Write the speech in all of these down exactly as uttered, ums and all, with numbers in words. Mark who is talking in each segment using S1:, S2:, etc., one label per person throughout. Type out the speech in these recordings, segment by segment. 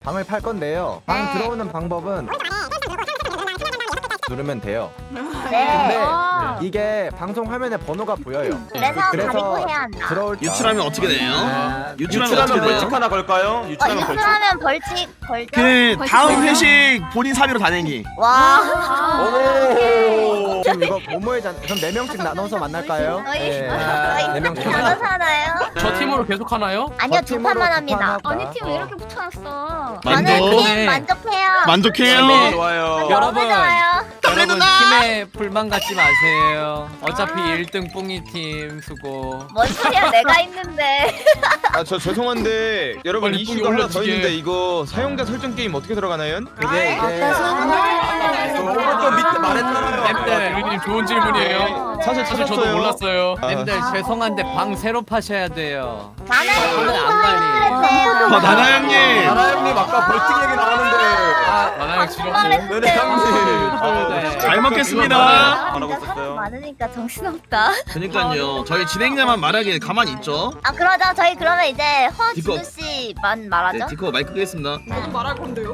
S1: 방을 팔 건데요. 방
S2: 네.
S1: 들어오는 방법은 누르면 돼요.
S2: 네.
S1: 근데
S2: 어.
S1: 이게 방송 화면에 번호가 보여요.
S2: 그래서 가리고 해야 한다.
S1: 들어올 때
S3: 유출하면 어떻게 돼요?
S1: 네.
S3: 유출하면 어떻게
S4: 유출하면
S3: 돼요?
S4: 벌칙 하나 걸까요?
S2: 어,
S4: 유출하면 벌칙.
S2: 유출하면 벌칙 걸죠?
S3: 그
S2: 벌칙
S3: 다음
S2: 걸죠?
S3: 회식 본인 사비로 다 내기.
S2: 와.
S4: 오.
S1: 지금 이거 모모의 잔 그럼 네 명씩 나눠서 만날까요?
S2: 저희
S1: 네.
S2: 저희
S1: 네
S2: 이렇게
S1: 명씩.
S2: 나눠서 하나요?
S5: 저 팀으로 계속 하나요?
S2: 아니요,
S1: 저
S2: 두
S1: 팀으로
S2: 판만
S1: 두
S2: 합니다.
S1: 판 하자.
S6: 아니 팀 왜 이렇게 붙여놨어?
S2: 저는
S3: 만족.
S2: 팀 만족해요.
S3: 만족해요.
S4: 네, 좋아요.
S2: 너무
S5: 여러분.
S2: 좋아요.
S5: 여러분 팀에 불만 갖지 마세요. 어차피 일 등 뿡이 팀 수고.
S2: 뭔 소리야, 내가 있는데.
S4: 아, 저 죄송한데 여러분
S5: 빨리
S4: 이슈가
S5: 뿡이
S4: 하나 더
S5: 올려주게.
S4: 있는데 이거 사용자 설정 게임 어떻게 들어가나요?
S1: 그게 이제
S4: 또 밑에 말했잖아요.
S5: nem들 유리님 좋은 질문이에요.
S4: 사실
S5: 사실 저도
S4: 찾았어요.
S5: 몰랐어요.
S4: 아.
S5: nem들 죄송한데 방 새로 파셔야 돼요.
S2: 나는
S5: 저는 안 가니.
S3: 어, 나나 형님.
S4: 나나 형님 아까 벌칙 얘기 나오는데.
S5: 아, 나나양 싫었어요.
S4: 네네 형님.
S5: 아,
S3: 잘 먹겠습니다.
S4: 안 하고
S2: 진짜 사람
S4: 있었어요.
S2: 많으니까 정신없다.
S3: 그니까요. 저희 진행자만 말하기에 가만히 있죠.
S2: 아, 그러자 저희 그러면 이제
S3: 디코.
S2: 허진우 씨만
S3: 네,
S2: 말하죠.
S3: 디코 마이크 끄겠습니다.
S6: 말할 건데요?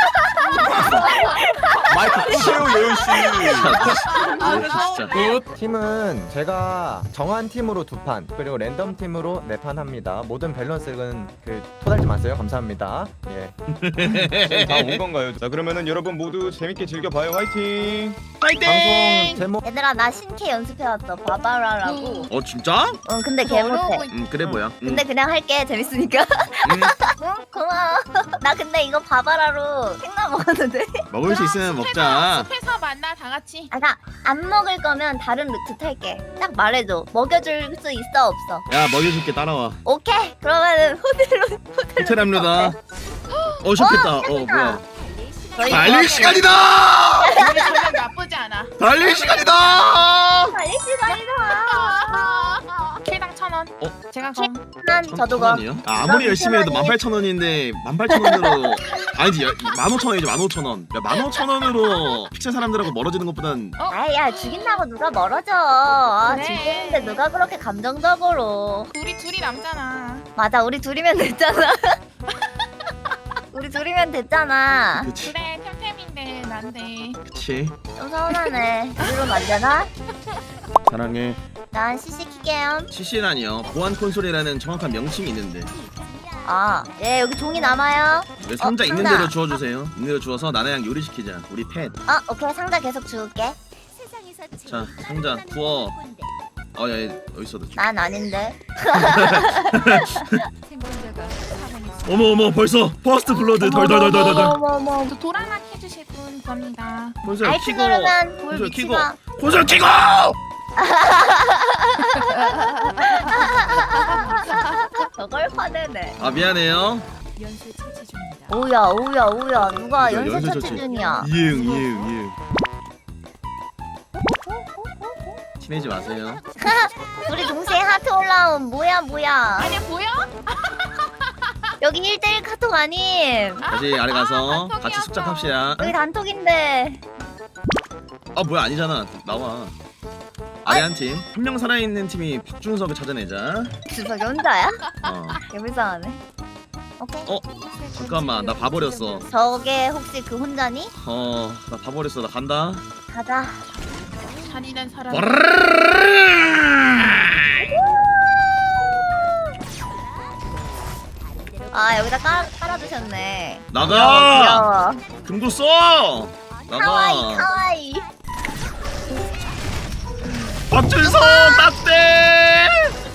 S4: 마이크 끄세요 예은 씨.
S3: 진짜.
S5: 굿.
S1: 팀은 제가 정한 팀으로 두 판 그리고 랜덤 팀으로 네 판 합니다. 모든 밸런스는 그 토달지 마세요. 감사합니다. 예.
S4: 다온 건가요? 자 그러면은 여러분 모두 재밌게 즐겨봐요. 화이팅.
S1: 방송
S3: 파이팅.
S1: 제목
S2: 얘들아, 나 신캐 연습해왔어. 바바라라고.
S3: 어 진짜?
S2: 응, 근데 개 못해.
S3: 음 그래 보여. 음.
S2: 근데 그냥 할게. 재밌으니까.
S3: 음,
S2: 응, 고마워. 나 근데 이거 바바라로 생나 먹었는데.
S3: 먹을 수 있으면 먹자.
S6: 숲에서 만나 다 같이.
S2: 아까 안 먹을 거면 다른 루트 탈게. 딱 말해줘. 먹여줄 수 있어 없어?
S3: 야 먹여줄게 따라와.
S2: 오케이. 그러면은 호텔로
S3: 호텔 합류다. 어 좋겠다. 어 뭐야?
S2: 저희
S3: 달릴 시간이다.
S6: 우리 전략 나쁘지 않아.
S3: 달릴 시간이다.
S2: 달릴 시간이다.
S6: 킬당 천 원.
S3: 어?
S6: 제가 검.
S2: 난 저도 거.
S3: 천원이요? 아, 아무리 열심히 해도 만 팔천 원인데 만 팔천 원으로 아니지 만 오천 원이지 만 오천 원. 야, 만 오천 원으로 픽셀 사람들하고 멀어지는 것보단
S2: 아야, 죽인다고 누가 멀어져. 아,
S6: 그래.
S2: 죽이는데 누가 그렇게 감정적으로.
S6: 우리 둘이 남잖아.
S2: 맞아, 우리 둘이면 됐잖아. 우리 둘이면 됐잖아.
S3: 그치
S6: 그래 템템인데 난데.
S3: 그치
S2: 좀 서운하네. 우리로 만드나?
S3: 사랑해.
S2: 난 씨씨 키게요.
S3: 씨씨라니요 보안 콘솔이라는 정확한 명칭이 있는데
S2: 아, 예, 여기 종이 남아요.
S3: 왜 상자
S2: 어,
S3: 있는
S2: 상자.
S3: 대로 주워주세요. 있는 대로 주워서 나나양 요리시키자. 우리 팻.
S2: 어, 오케이. 상자 계속 줄게.
S3: 자 상자 구워. 어야 어디 있어 너.
S2: 난 아닌데.
S3: 어머 어머 벌써 퍼스트 블러드 덜덜덜덜덜.
S2: 어머머머.
S6: 저 도랑락 해주실 분 겁니다.
S3: 콘솔
S2: 알트
S3: 키고
S2: 누르면 볼
S3: 콘솔 키고
S2: 위치가.
S3: 콘솔 키고.
S2: 저걸 화내네.
S3: 아 미안해요.
S2: 오야, 오야, 오야. 누가
S3: 야,
S2: 연쇄
S3: 연쇄
S2: 처치
S3: 처치.
S2: 중이야.
S3: 이응 이응 이응. 친해지 마세요.
S2: 우리 동생 하트 올라온 뭐야, 뭐야.
S6: 아니야 보여?
S2: 여기 일 대일 카톡 아님.
S3: 다시 아래 가서
S6: 아,
S3: 같이
S6: 단톡이어서.
S3: 숙작합시다.
S2: 여기 단톡인데.
S3: 아 뭐야 아니잖아. 나와. 아래 한 팀. 한 명 살아있는 팀이 박준석을 찾아내자.
S2: 주석이 혼자야?
S3: 어.
S2: 개불쌍하네. 오케이.
S3: 어 잠깐만 나 봐버렸어.
S2: 저게 혹시 그 혼자니?
S3: 어 나 봐버렸어. 나 간다.
S2: 가자.
S6: 잔인한 사람.
S2: 아, 여기다 깔, 깔아두셨네.
S3: 나가.
S2: 귀여워.
S3: 금고 써.
S2: 카와이,
S3: 나가.
S2: 카와이.
S3: 박준석 딱대.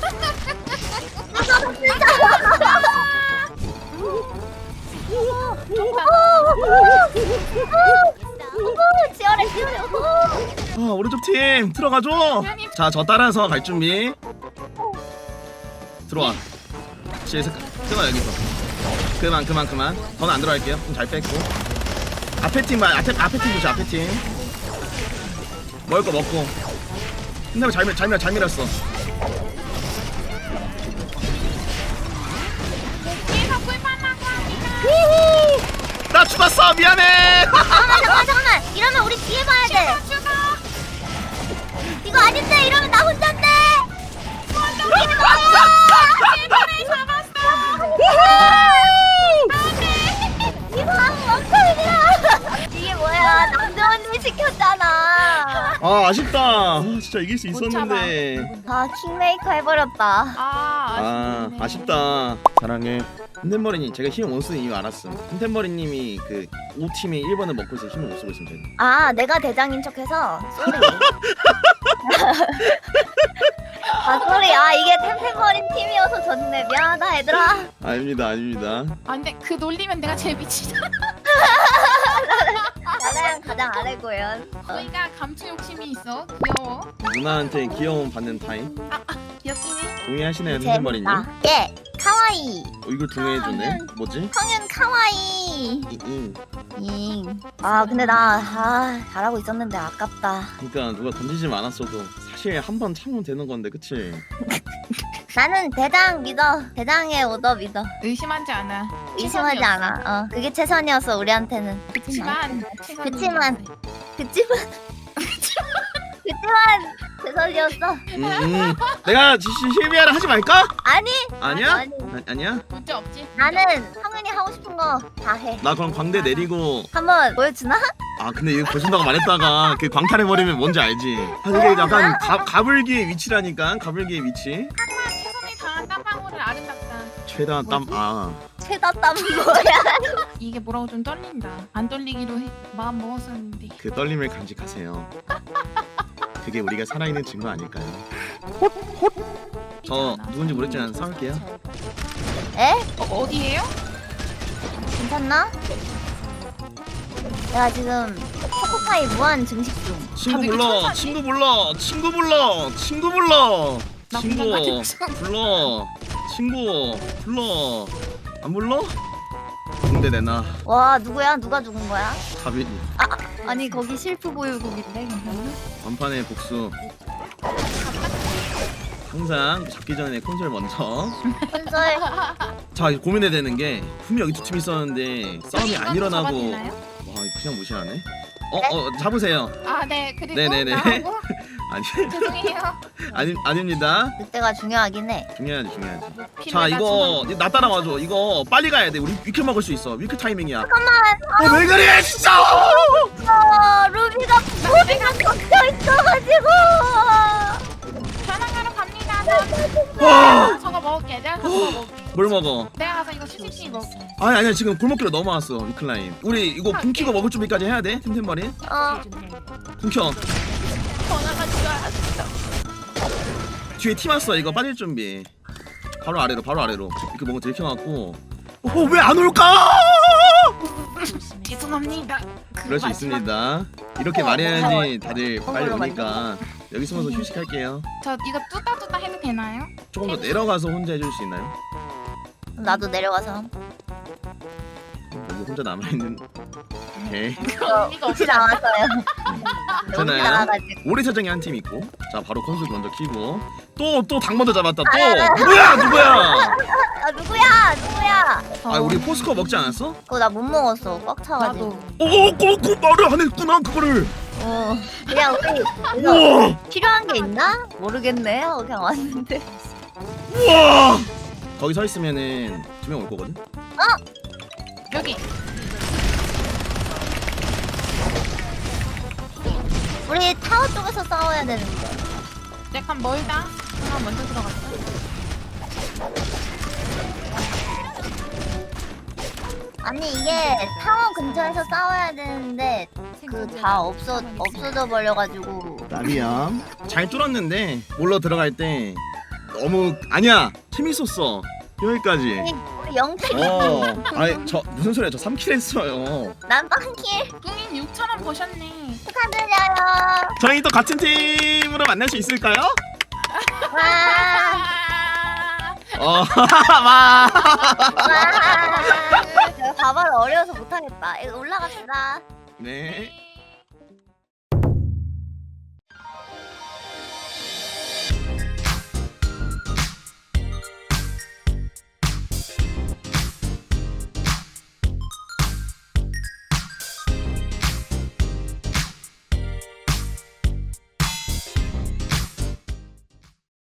S2: 치열해, 치열해.
S3: 아 오른쪽 팀 들어가줘. 자 저 따라서 갈 준비. 들어와. 시에서 끊어 여기서. 그만 그만 그만. 저는 안 들어갈게요. 좀 잘 뺐고. 앞에 팀만 앞에 앞에 팀 보자. 앞에 팀. 먹을 거 먹고. 근데 잘 밀, 잘 밀, 잘 밀었어.
S6: 뒤에서 꿀판 나고 합니다.
S3: 나 죽었어. 미안해.
S2: 잠깐만, 잠깐만, 잠깐만. 이러면 우리 뒤에 봐야 돼.
S6: 죽어.
S2: 이거 아닌데, 이러면 나 혼잔데. 뒤에 봐요.
S6: 템템을 잡았어.
S2: 히히!
S3: 아 아쉽다. 아, 진짜 이길 수
S6: 못
S3: 있었는데.
S2: 아 킹메이커 해버렸다.
S6: 아
S3: 아
S6: 아쉽네.
S3: 아쉽다. 사랑해. 템템버리님 제가 힘을 못 쓰는 이유 알았음. 템템버리님이 그 오 팀이 일 번을 먹고 있어 힘을 못 쓰고 있으면 되는.
S2: 아 내가 대장인 척해서 쏘리. 아 쏘리. 아 이게 템템버린 팀이어서 졌네. 미안하다 얘들아.
S3: 아닙니다 아닙니다.
S6: 아 근데 그 놀리면 내가 제일 미치다.
S2: 나랑 가장 아래고요.
S6: 저희가 감추 욕심이 있어. 귀여워.
S3: 누나한테 귀여움 받는 타임.
S6: 귀엽긴 해.
S3: 동의하시나요 템템버리님?
S2: 재밌다. 예. 카와이.
S3: 어, 이걸 동의해주네. 뭐지?
S2: 성윤 카와이.
S3: 잉.
S2: 잉. 아 근데 나 아, 잘하고 있었는데 아깝다.
S3: 그러니까 누가 던지지 않았어도 사실 한 번 참으면 되는 건데 그치?
S2: 나는 대장 믿어. 대장의 오더 믿어.
S6: 의심하지 않아.
S2: 의심하지 않아. 어 그게 최선이었어 우리한테는.
S6: 그치만 최선을
S2: 그치만.
S6: 다했어요.
S2: 그치만. 그치만 최선이었어.
S3: 음, 음. 내가 지- 시- 실비아를 하지 말까?
S2: 아니
S3: 아니야?
S2: 아니.
S3: 아, 아니야?
S6: 문제 없지.
S2: 나는 성윤이 하고 싶은 거 다 해.
S3: 나 그럼 광대 내리고
S2: 한번 보여주나?
S3: 아 근데 이거 보신다고 말했다가 그 광탈해버리면 뭔지 알지? 아 이게 약간 가, 가불기의 위치라니까 가불기의 위치
S6: 하지만 최선을 다한 땀방울을 아름답다.
S3: 최대한 땀아
S2: 최다 땀 뭐야?
S6: 이게 뭐라고 좀 떨린다. 안 떨리기로 해. 마음 먹었었는데.
S3: 그 떨림을 간직하세요. 그게 우리가 살아있는 증거 아닐까요? 저 누군지 모르겠지만 싸울게요.
S2: 에?
S6: 어, 어디에요?
S2: 괜찮나? 내가 지금 초코파이 무한 증식 중.
S3: 친구
S6: 다들
S3: 불러
S6: 천사니?
S3: 친구 불러 친구 불러 친구 불러
S6: 나
S3: 친구
S6: 그냥 같은
S3: 불러 친구 불러 안 불러? 군대 내놔
S2: 와 누구야? 누가 죽은 거야?
S3: 가빈
S2: 아니 거기 실프 보유국인데 괜찮나?
S3: 완판의 복수 항상 잡기 전에 콘솔 먼저
S2: 콘솔
S3: 자 고민해야 되는 게 분명 여기 두 팀 있었는데 싸움이 안 일어나고 와
S6: 잡아주나요?
S3: 이거 그냥 무시하네 어? 어 잡으세요
S6: 아, 네. 그리고
S3: 네네네.
S6: 나하고
S3: 아니
S6: 죄송해요.
S3: 아니 아닙니다
S2: 그때가 중요하긴 해.
S3: 중요하지 중요하지
S6: 피를
S3: 자 이거
S6: 맞추는
S3: 나 따라와줘 이거 빨리 가야 돼 우리 위클 먹을 수 있어 위클 타이밍이야
S2: 잠깐만.
S3: 아, 왜 그래 진짜
S2: 어, 루비가 루비가 꺾여 있어가지고.
S6: 편안하러 갑니다.
S3: 와.
S6: 저- 저거 먹을게. 내가 저거 먹을게.
S3: 뭘 먹어
S6: 내가 가서 이거 시식시 먹을게.
S3: 아니 아니야 지금 골목길로 넘어왔어 위클라인 우리 이거 붕 키고 먹을 준비까지 해야 돼 템템머리
S2: 어.
S3: 붕켜
S6: 전화가 좋아.
S3: 뒤에 팀 왔어 이거 빠질 준비 바로 아래로 바로 아래로 이렇게 뭔가 들켜갖고 어왜 안 올까
S6: 죄송합니다.
S3: 그럴 수
S6: 마지막-
S3: 있습니다 이렇게 말해야지 다들 빨리 오니까 여기 숨어서 휴식할게요
S6: 저 이거 뚜따 뚜따 해도 되나요?
S3: 조금 더 내려가서 혼자 해줄 수 있나요?
S2: 나도 내려가서.
S3: 여기 혼자 남아있는 오케이
S6: 그런 의미가
S2: 혹시
S6: 없지 않아?
S2: 나왔어요. 여기
S3: 괜찮아요
S2: 나가가지고.
S3: 오래 사정이 한 팀 있고 자 바로 컨술 먼저 키고 또 또 닭 먼저 잡았다 또 누구야 누구야
S2: 아 누구야? 누구야?
S3: 아 우리 포스코 먹지 않았어?
S2: 그거 나 못 먹었어. 꽉 차가지고.
S6: 나도.
S3: 오오그 말을 안 했구나 그거를
S2: 어. 그냥 우리 이거
S3: 우와
S2: 필요한 게 있나? 모르겠네. 하고 그냥 왔는데.
S3: 우와 거기 서 있으면은 두 명 올 거거든
S6: 여기.
S2: 우리 타워 쪽에서 싸워야 되는데.
S6: 약간 멀다. 하나 먼저 들어갔어.
S2: 아니 이게 타워 근처에서 싸워야 되는데 그 다 없어 없어져 버려가지고.
S3: 나비야 잘 뚫었는데 몰러 들어갈 때 너무 아니야 재밌었어 여기까지
S2: 우리 영택이
S3: 어 아니 저 무슨 소리야 저 삼 킬 했어요
S2: 난 빵킬
S6: 뿡인 육천 원 버셨네.
S2: 축하드려요.
S3: 저희 또 같은 팀으로 만날 수 있을까요?
S2: 와.
S3: 어 와.
S2: 와. 내가 가발 어려워서 못하겠다. 이거 올라갑시다.
S3: 네